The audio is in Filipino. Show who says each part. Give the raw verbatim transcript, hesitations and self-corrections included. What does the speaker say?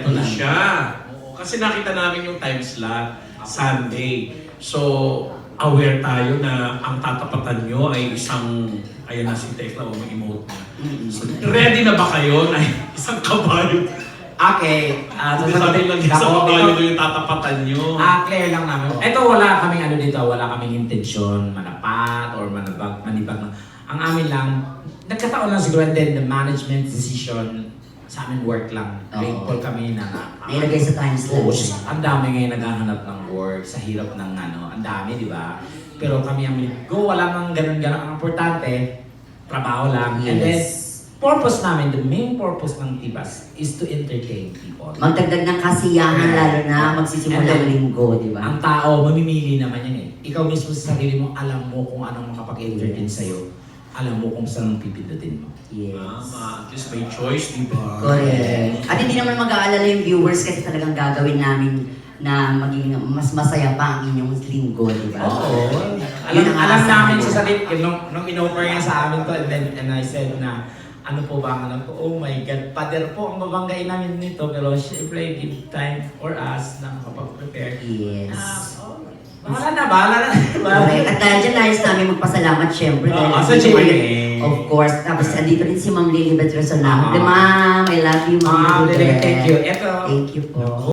Speaker 1: Eto na siya. Oo, kasi nakita namin yung time slot, Sunday. So, aware tayo na ang tatapatan nyo ay isang, ayan na si Tekla o may emote na. So, ready na ba kayo na isang kabayo?
Speaker 2: Okay, uh,
Speaker 1: Hindi sabi lang isang kabayo na yung tatapatan nyo.
Speaker 2: Ah, clear lang namin. Ito wala kaming ano dito, wala kaming intensyon, manapat or manabag, manibag. Ang amin lang, nagkataon lang siguro and then the management decision sa amin work lang. Grateful kami na
Speaker 3: Nailagay sa time
Speaker 2: Oo,
Speaker 3: slot.
Speaker 2: ang dami ngayon naghahanap ng work sa hirap ng ano, ang dami, di ba? Pero kami ang go, wala nang ganun-ganun. Ang importante, trabaho lang. And then,
Speaker 3: Yes.
Speaker 2: purpose namin, the main purpose ng Tibas is to entertain people.
Speaker 3: Magdagdag ng kasiyahan lalo na magsisimula
Speaker 2: And then,
Speaker 3: ng linggo, di ba?
Speaker 2: Ang tao, mamimili naman yan eh. Ikaw mismo sa sarili mo, alam mo kung anong makapag-entertain sa'yo. Alam mo kung saan pipindutin mo.
Speaker 3: Yes.
Speaker 1: Tama, at least may choice, di ba?
Speaker 3: Correct. At hindi naman mag-aalala yung viewers kasi talagang gagawin namin na maging mas masaya pa ang inyong linggo, di ba?
Speaker 2: Oo. Alam,
Speaker 3: Yun ang
Speaker 2: alam
Speaker 3: asa
Speaker 2: namin
Speaker 3: ko.
Speaker 2: sa sarili, nung, nung in-offer niya sa amin to, and then and I said na, ano po ba ang alam ko? Oh my God, Pader po ang babanggain namin nito, pero syempre, give time for us na makapag-prepare.
Speaker 3: Yes.
Speaker 2: Ah, oh, bahala na, bahala na.
Speaker 3: Correct. At dahil dyan, nais namin magpasalamat syempre.
Speaker 2: Oo,
Speaker 3: dahil
Speaker 2: sa
Speaker 3: nandito
Speaker 2: J M A.
Speaker 3: kayo- Of course. Tapos andito rin si Ma'am Lilibet Resonato.
Speaker 2: Ah.
Speaker 3: Ma'am, I love you, Ma'am
Speaker 2: Ah,
Speaker 3: Lilibet.
Speaker 2: thank you. Ito,
Speaker 3: Thank you po.